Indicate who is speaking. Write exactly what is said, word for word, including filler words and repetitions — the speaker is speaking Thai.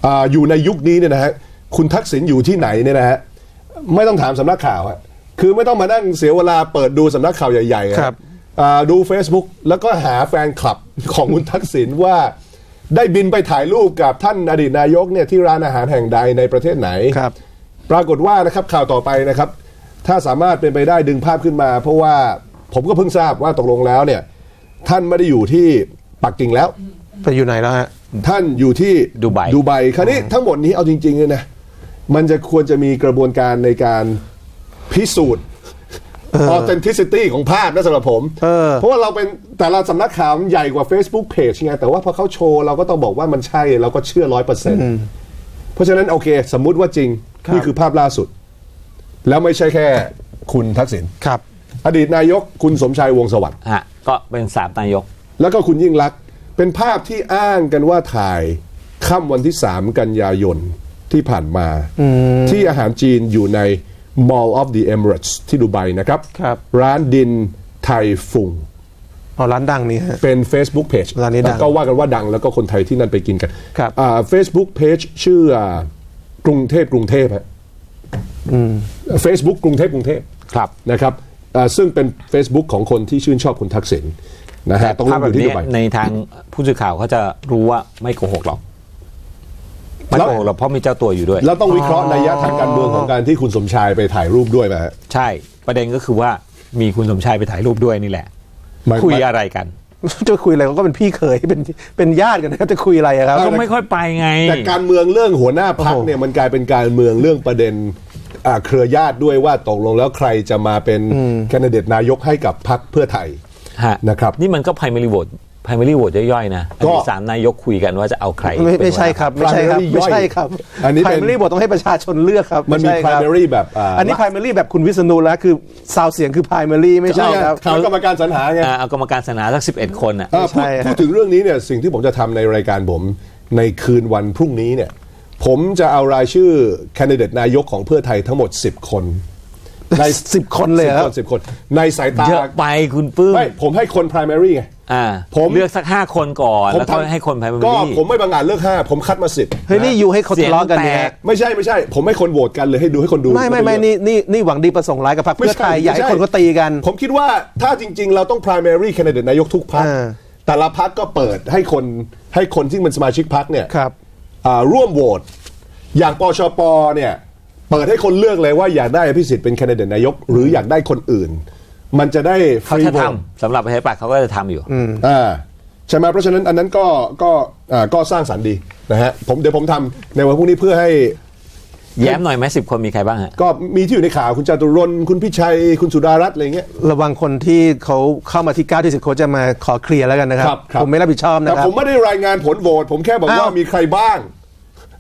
Speaker 1: อ, อยู่ในยุคนี้เนี่ยนะฮะคุณทักษิณอยู่ที่ไหนเนี่ยนะฮะไม่ต้องถามสำนักข่าวฮะคือไม่ต้องมานั่งเสียเวลาเปิดดูสำนักข่าวใหญ่ๆครับดู Facebook แล้วก็หาแฟนคลับของคุณทักษิณว่าได้บินไปถ่ายรูปกับท่านอดีตนายกเนี่ยที่ร้านอาหารแห่งใดในประเทศไหนครับปรากฏว่านะครับข่าวต่อไปนะครับถ้าสามารถเป็นไปได้ดึงภาพขึ้นมาเพราะว่าผมก็เพิ่งทราบว่าตกลงแล้วเนี่ยท่านไม่ได้อยู่ที่ปักกิ่งแล้ว
Speaker 2: ไปอยู่ไหนแล้วฮะ
Speaker 1: ท่านอยู่ที่
Speaker 3: ดูไบ
Speaker 1: ดูไบคราวนี้ทั้งหมดนี้เอาจริงๆเลยนะมันจะควรจะมีกระบวนการในการพิสูจน์ authenticity ของภาพนะสำหรับผมเ, เพราะว่าเราเป็นแต่ละสำนักข่าวมันใหญ่กว่า Facebook Page ไงแต่ว่าพอเขาโชว์เราก็ต้องบอกว่ามันใช่เราก็เชื่อ ร้อยเปอร์เซ็นต์ เพราะฉะนั้นโอเคสมมุติว่าจริงนี่คือภาพล่าสุดแล้วไม่ใช่แค่คุณทักษิณ
Speaker 2: ครับ
Speaker 1: อดีตนายกคุณสมชัยวงศ์สวัสดิ์
Speaker 3: ฮะก็เป็นสามนายก
Speaker 1: แล้วก็คุณยิ่งลักษณ์เป็นภาพที่อ้างกันว่าถ่ายค่ำวันที่สามกันยายนที่ผ่านมาที่อาหารจีนอยู่ใน Mall of the Emirates ที่ดูไบนะครับร้านดินไทยฟุง
Speaker 2: อ๋อร้านดังนี้ฮะ
Speaker 1: เป็น Facebook Page
Speaker 2: ร้านนี้ดัง
Speaker 1: ก็ว่ากันว่าดังแล้วก็คนไทยที่นั่นไปกินกันครับอ่า Facebook Page ชื่อกรุงเทพกรุงเทพฮะ Facebook กรุงเทพกรุงเทพครับนะครับซึ่งเป็น Facebook ของคนที่ชื่นชอบคุณทักษิณนะฮะ
Speaker 3: ต้องรู้ที่ในทางผู้สื่อข่าวเขาจะรู้ว่าไม่โกหกหรอกไม่โกหกหรอกเพราะมีเจ้าตัวอยู่ด้วย
Speaker 1: แล้วต้องวิเคราะห์นัยทางการเมืองของการที่คุณสมชายไปถ่ายรูปด้วยไหมฮะ
Speaker 3: ใช่ประเด็นก็คือว่ามีคุณสมชายไปถ่ายรูปด้วยนี่แหละคุยอะไรกัน
Speaker 2: จะคุยอะไรก็เป็นพี่เคยเป็นเป็นญาติกันนะจะคุยอะไรครับ
Speaker 3: ก็ไม่ค่อยไปไง
Speaker 1: แต่การเมืองเรื่องหัวหน้าพรรคเนี่ยมันกลายเป็นการเมืองเรื่องประเด็นเครือญาติด้วยว่าตกลงแล้วใครจะมาเป็นแคนดิเดตนายกให้กับพรรคเพื่อไทยนะครับ
Speaker 3: นี่มันก็ primary vote primary vote ย่อยๆนะอันนี้สามนายกคุยกันว่าจะเอาใคร
Speaker 2: ไม่ไม่ใช่ครับไม่ใช่ครับไม่ใช่ครับอันนี้ primary vote ต้องให้ประชาชนเลือกครับ
Speaker 1: มันมี primary แบบ
Speaker 2: อันนี้ primary แบบคุณวิษณุแล้วคือซาวเสียงคือ primary ไม่ใช่ครับ
Speaker 1: เอากรรมการสรรหาไง
Speaker 3: เอากรรมการสรรหาสักสิบเอ็ดคนอ่ะ
Speaker 1: พูดถึงเรื่องนี้เนี่ยสิ่งที่ผมจะทำในรายการผมในคืนวันพรุ่งนี้เนี่ยผมจะเอารายชื่อแคนดิเดตนายกของเพื่อไทยทั้งหมดสิบคน
Speaker 2: ในสิบคนเลยครับ
Speaker 1: สิบคนในสายตา
Speaker 3: เยอะไปคุณปื้ม
Speaker 1: ไม่ผมให้คน primary ไง
Speaker 3: อ่าผมเลือกสักห้าคนก่อนแล้วก็ให้คน primary
Speaker 1: ก็ผมไม่บางงานเลือกห้าผมคัดมาสิบ
Speaker 2: เฮ้ยนี่อยู่ให้เขาทะเลาะกันเนี่ย
Speaker 1: ไม่ใช่ไม่ใช่ผมให้คนโหวตกันเลยให้ดูให้คนดู
Speaker 2: ไม่ไม่ไม่นี่นี่นี่หวังดีประสงค์ร้ายกับพรรคเพื่อไทยอยากให้คนเขาตีกัน
Speaker 1: ผมคิดว่าถ้าจริงๆเราต้อง primary candidate นายกทุกพรรคแต่ละพรรคก็เปิดให้คนให้คนที่เป็นสมาชิกพรรคเนี่ยร่วมโหวตอย่างปชปเนี่ยเปิดให้คนเลือกเลยว่าอยากได้อภิสิทธิ์เป็นแคนดิเดตนายกหรืออยากได้คนอื่นมันจะได้
Speaker 3: ฟรีโหวตสำหรับประชาธิปัตย์เขาก็จะทำอยู่
Speaker 1: อ่าใช่ไหมเพราะฉะนั้นอันนั้นก็ก็อ่าก็สร้างสรรค์ดีนะฮะผมเดี๋ยวผมทำในวันพรุ่งนี้เพื่อให้
Speaker 3: แย้มหน่อยไหมสิบคนมีใครบ้างฮะ
Speaker 1: ก็มีที่อยู่ในข่าวคุณจตุรนต์คุณพิชัยคุณสุดารัตน์อะไรเงี้ย
Speaker 2: ระวังคนที่เขาเข้ามาที่เก้าที่สิบเขาจะมาขอเคลียร์แล้วกันนะครับผมไม่รับผิดชอบนะครับ
Speaker 1: แต่ผมไม่ได้รายงานผลโหวตผมแค่บอกว่ามีใครบ้าง